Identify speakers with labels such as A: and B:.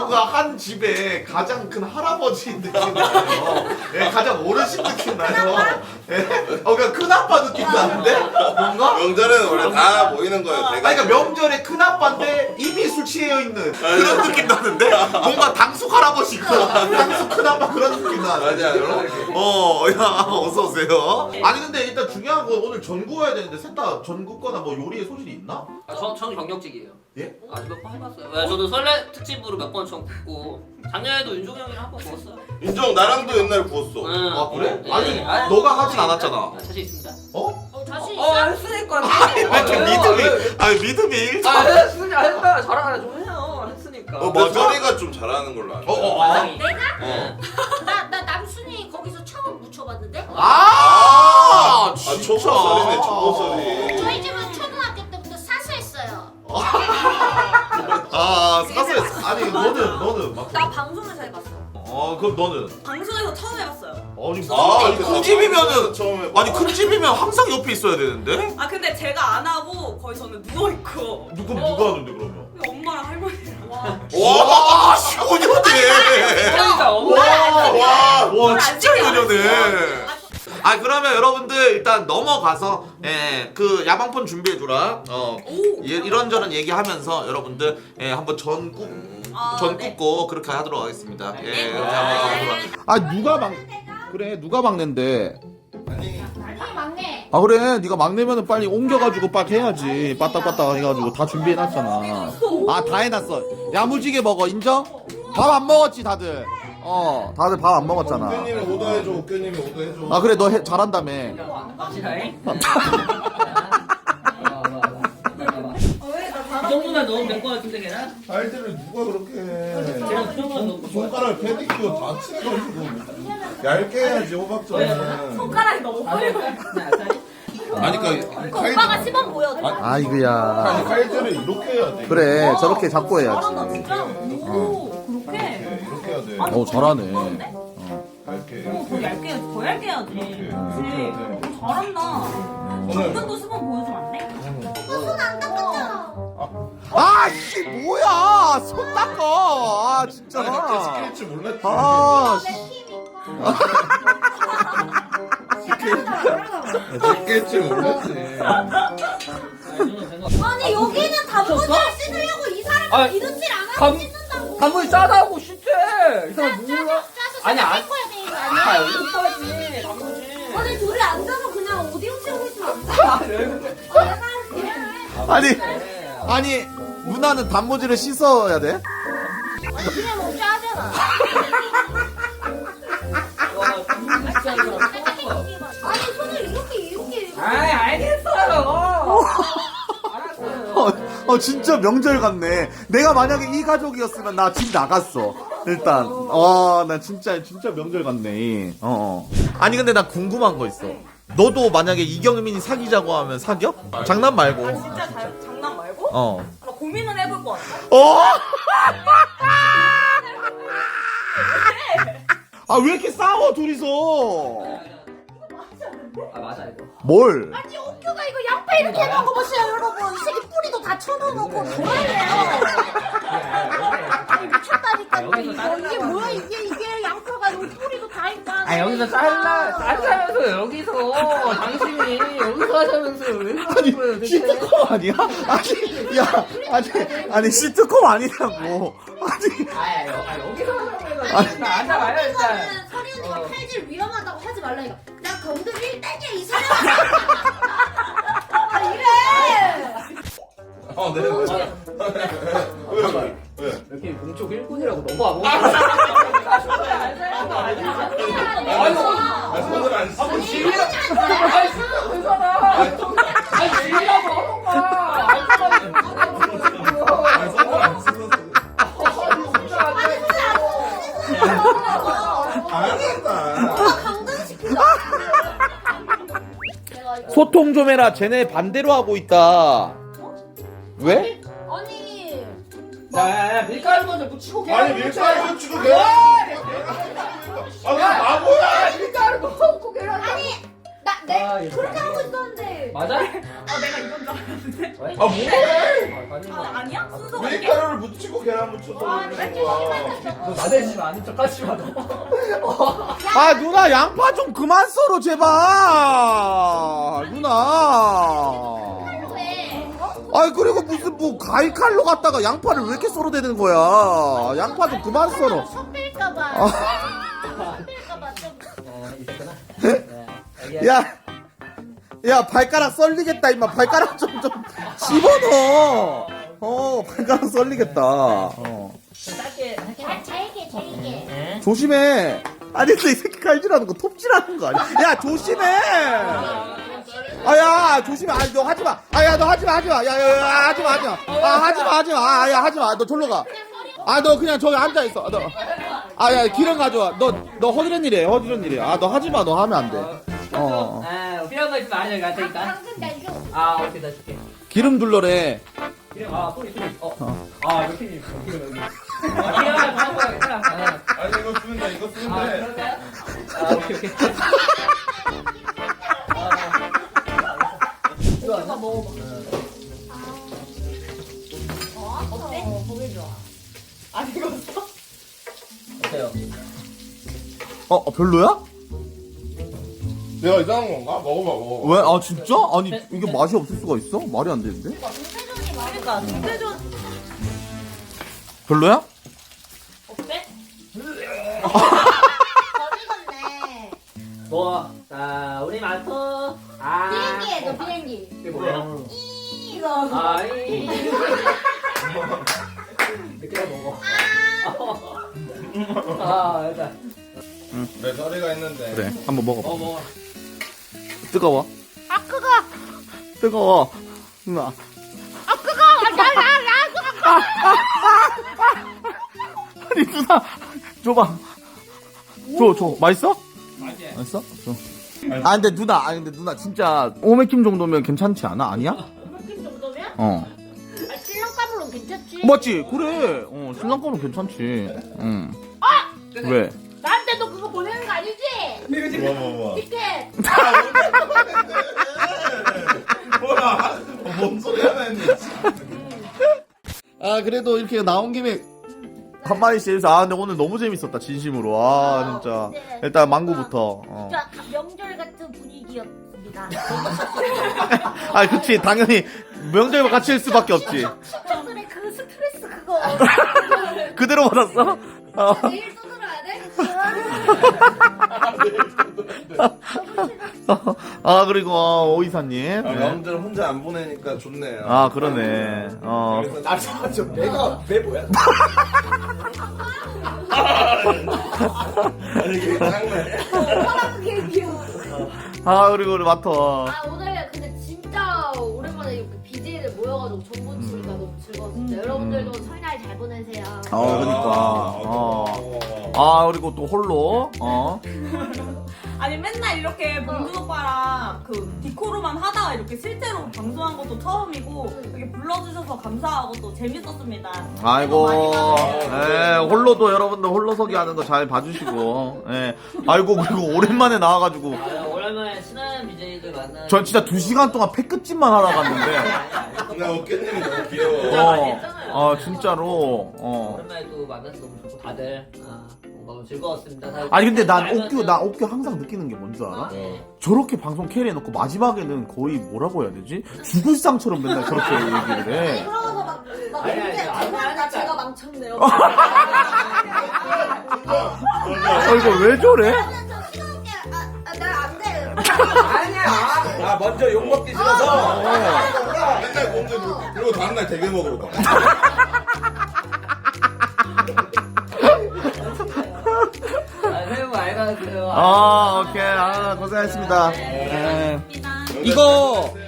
A: 뭔가 한 집에 가장 큰 할아버지 느낌 나요. 예, 가장 어르신 느낌 나요. 예, 그러니까 큰 아빠 느낌 나는데 뭔가.
B: 명절에는 원래 다 모이는 거예요.
A: 아니, 그러니까 명절에 큰 아빠인데 이미 술 취해 있는 그런 느낌 나는데 뭔가 당숙 할아버지고 당숙 큰 아빠 그런 느낌 나는데.
B: 맞아요.
A: 야, 어서 오세요. 아니 근데 일단 중요한 건 오늘 전 구워야 되는데 셋 다 전 굽거나 뭐 요리에 소질이 있나?
C: 전 경력직이에요.
A: 예?
C: 아주 몇 번 해봤어요. 네, 저도 설레 특집으로 몇 번 전 굽고 작년에도 윤종이 형이랑 한 번 구웠어요.
B: 인정, 나랑도 옛날 구웠어.
C: 응.
A: 아 그래?
C: 네.
A: 아니
C: 아니,
A: 너가 하진 않았잖아.
C: 자신 있습니다.
A: 어?
D: 자신 있어?
E: 했으니까.
A: 좀 믿음이 일.
E: 했으니까 했다. 잘하네 좀 해요. 했으니까.
B: 머저리가 좀 잘하는 걸로 알아.
C: 마상이.
D: 내가? 나 남순이 거기서 처음 묻혀봤는데?
A: 아, 진짜.
B: 초보설이네, 초보설이.
D: 저희 집은 초등학교 때부터 사수했어요.
A: 아, 사서 아니 너는 막.
E: 나 방송에서 해봤어.
A: 그럼 너는.
E: 방송에서 처음 해봤어요.
A: 아니
B: 이렇게
A: 큰 집이면은
B: 처음에
A: 아니 큰 집이면 항상 옆에 있어야 되는데?
E: 아 근데 제가 안 하고 거의 저는 누워 있고.
A: 누가 하는데 그러면?
E: 엄마랑 할머니랑.
A: 와, 시원하네.
C: 형이다.
A: 와, 진짜 연연해. 아, 그러면 여러분들 일단 넘어가서 그 야방폰 준비해 주라. 이런저런 얘기하면서 여러분들 한번 전 굽고 그렇게 하도록 하겠습니다. 예, 그렇게 한번 하도록. 아, 누가 막내인데?
D: 아니 막내.
A: 아, 그래, 네가 막내면은 빨리 옮겨가지고 빡 해야지. 빠딱빠딱 해가지고 다 준비해놨잖아. 아, 다 해놨어. 야무지게 먹어, 인정? 밥 안 먹었지 다들? 다들 밥 안 먹었잖아.
B: 옥규님이 오더해줘, 옥규님이 오더해줘.
A: 아, 그래, 너 잘한다며.
C: 갑시다잉. 이 정도만 넣으면 될 것 같은데 걔는?
B: 알들을 누가 그렇게 해.
C: 걔는 그 정도만 넣고.
B: 손가락 페디큐어 다 칠해가지고 얇게 해야지, 호박전은.
E: 손가락이 너무 화려해.
B: 아니, 그니까.
E: 오빠가 시범 보여줘.
A: 아, 이거야.
B: 칼질을 이렇게 해야 돼.
A: 그래, 저렇게 잡고 해야지.
E: 잘한다 진짜. 오 그렇게.
B: 네, 이렇게 해야 돼.
A: 잘하네.
B: 얇게.
E: 더 얇게 더 얇게 해야지.
B: 이렇게 해야 돼.
E: 잘한다.
B: 오늘
E: 당근도 시범 보여주면 안 돼?
D: 손안 닦았잖아.
A: 아, 씨, 뭐야! 손 닦아! 아, 진짜.
B: 시킬 줄 몰랐지.
A: 아,
D: 내
A: 씨.
D: 힘이니까.
B: 시킬 줄 몰랐지.
D: 아니 여기는 단무지를 씻으려고 이 사람이 이웃질 안 하고 씻는다고.
C: 단무지 짜다고 싫대. 이 사람 몰라?
D: 짜서
C: 아니, 안-
D: 씻어야 되는 거 아니야?
C: 여기 있어야지 단무지.
D: 아니 둘이 앉아서 그냥 오디오 치고 있으면 안 돼?
A: 아니, 누나는 단무지를 씻어야 돼?
D: 그냥 먹자 하잖아. 아니 손을 이렇게.
C: 아이 알겠어요. 알았어요.
A: 진짜 명절 같네. 내가 만약에 이 가족이었으면 나 집 나갔어. 일단, 나 진짜 명절 같네. 아니, 근데 나 궁금한 거 있어. 너도 만약에 이경민이 사귀자고 하면 사겨? 장난 말고.
E: 아 진짜 장난 말고? 나 고민은 해볼 것 같아.
A: 아, 왜 이렇게 싸워, 둘이서?
C: 아 맞아 이거.
A: 뭘?
D: 아니 옥규가 이거 양파 이렇게 먹어보세요 여러분. 이 새끼 뿌리도 다 쳐넣어놓고 뭐예요? 아니 미쳤다니까.
C: 여기서
D: 이거 이게 뭐야 이게 양파가 여기 뿌리도 다 있다.
C: 아 여기서 짜자면서 여기서 당신이 여기서 하자면서 왜 그러는 거예요?
A: 시트콤 아니야? 아니, 시트콤 아니냐고.
C: 여기서 하자고 해가지고 앉아봐요 일단.
D: 이거는 서리 언니가 칼질 위험하다고 하지 말라 이거. 나 검도 1단이야 이 사람. 아 이래.
B: 네. 왜?
C: 이렇게 공쪽 1군이라고 너무
B: 손을 안 씻어.
A: 소통 좀 해라. 쟤네 반대로 하고 있다. 왜?
D: 아니
C: 야 밀가루 먼저 묻히고
B: 아니, 밀가루 치고 개. 아, 나 바보야.
C: 밀가루 넣고 계란.
D: 아니 네? 그렇게 하고 있었는데.
C: 맞아?
E: 아 내가 이건 줄 알았는데.
B: 아 뭐해?
E: 아 아니야? 순서가 이게?
B: 밀가루를 묻히고 계란 묻혀서 올리는 거야.
C: 너 나대지 마. 아닌 척 하지 마. 너.
A: 아 누나 양파 좀 그만 썰어 제발 누나.
D: 왜?
A: 아이 그리고 무슨 뭐 과일 칼로 갖다가 양파를 왜 이렇게 썰어대는 거야. 양파 좀 그만 썰어.
D: 섞일까봐.
A: 아.
D: 섞일까봐 좀.
C: 있었구나.
A: 야 발가락 썰리겠다 임마. 발가락 좀 집어넣어. 발가락 썰리겠다.
C: 짧게 할게.
D: 잘게.
A: 조심해. 아니 근데 이 새끼 칼질하는 거 톱질하는 거 아니야? 야 조심해. 아야 조심해. 아니 너 하지 마. 아야 너 하지 마. 야야 하지 마. 하지 마. 아야 하지 마. 너 절로 가. 아 너 그냥 저기 앉아 있어. 너. 아야 기름 가져와. 너 허드렛 일이야. 아 너 하지 마. 너 하면 안 돼.
C: 아, 필요한 거 있으면 말해줘. 갈 테니까.
D: 당근 나 이거.
C: 아, 오케이, 나 줄게.
A: 기름 둘러래.
C: 기름, 소리. 아, 이렇게 기름 여기. 기름 하나 더 먹어야겠다.
B: 아니 이거 쓰면 돼. 이거 쓰면 돼.
C: 그럴까요? 오케이.
E: 오빠 먹어봐.
D: 어때? 보기 좋아.
E: 안 익었어?
C: 어때요?
A: 별로야?
B: 내가 이상한 건가? 먹어봐.
A: 왜? 아 진짜? 아니 이게 맛이 없을 수가 있어? 말이 안 되는데?
D: 동태전이 많이
E: 그러니까 동태전
A: 별로야?
E: 어때?
D: 덜 익었네.
C: 뭐, 자, 우리 마토.
D: 비행기에 너 비행기.
C: 이게 뭐야?
D: 이거.
C: 늦게 먹어. 일단.
B: 내 소리가 있는데.
A: 그래 한번 먹어봐.
C: 먹어.
A: 뜨거워. 뜨거워. 누나. 아니 누나 줘봐. 줘 맛있어? 맛있어? 줘. 근데 누나 진짜 오메킴 정도면 괜찮지 않아? 아니야?
D: 느낌 정도면?
A: 어
D: 신랑감으로 괜찮지?
A: 맞지? 그래 신랑감은 괜찮지. 응. 왜?
D: 나한테 너 그거 보내는 거 아니지?
B: 뭐.
D: 티켓.
B: 뭐야? 뭔 소리 하나 했니?
A: 그래도 이렇게 나온 김에 한 마디씩 해서 근데 오늘 너무 재밌었다 진심으로. 진짜
D: 네.
A: 일단 망고부터.
D: 진짜 명절 같은 분위기였습니다.
A: 그치 당연히 명절과 같이 할 수밖에 없지.
D: 친구들의 그 스트레스 그거.
A: 그대로 받았어?
D: 내일 또 들어야 돼?
A: 그리고 오이사님.
B: 명절 혼자 안 보내니까 좋네요.
A: 그러네.
B: 좀 내가 왜 뭐야? 아니 이게 장난이야?
D: 오빠랑 그게 귀여워.
A: 그리고 우리 마터.
F: 오늘 근데 진짜 오랜만에 이렇게 BJ들 모여가지고 정보 치니까 너무 즐거웠어요. 여러분들도 설날 잘 보내세요.
A: 그러니까. 그리고 또 홀로.
E: 아니 맨날 이렇게 봉준 오빠랑 그 디코로만 하다가 이렇게 실제로 방송한 것도 처음이고 이렇게 불러주셔서 감사하고 또 재밌었습니다.
A: 아이고.
E: 많이 받아요.
A: 홀로도 여러분들 홀로서기 하는 거 잘 봐주시고. 아이고 그리고 오랜만에 나와가지고.
C: 오랜만에 친한 BJ들 만나.
A: 전 진짜 2시간 동안 패끝집만 하러 갔는데.
B: 나 어깨님이 너무 귀여워.
C: 진짜 많이 했잖아요.
A: 진짜로.
C: 오랜만에 또 만나서 너무 좋고 다들 너무 즐거웠습니다. 다들
A: 아니 근데 난
C: 알면서-
A: 옥규 항상 느끼는 게 뭔 줄 알아?
C: 네.
A: 저렇게 방송 캐리해놓고 마지막에는 거의 뭐라고 해야 되지? 죽을 상처럼 맨날 저렇게 얘기를 해.
F: 그러고서 막
C: 아니,
F: 언제
C: 아니,
F: 죄송합니다 제가 망쳤네요.
A: 이거 왜 저래?
F: 날안 돼.
C: 아니야. 먼저 욕 먹기 싫어서.
B: 맨날 공주 그리고 다음날 대게 먹으러 가.
C: 새해 복 많이 받으세요.
A: 오케이. 고생하셨습니다. 이거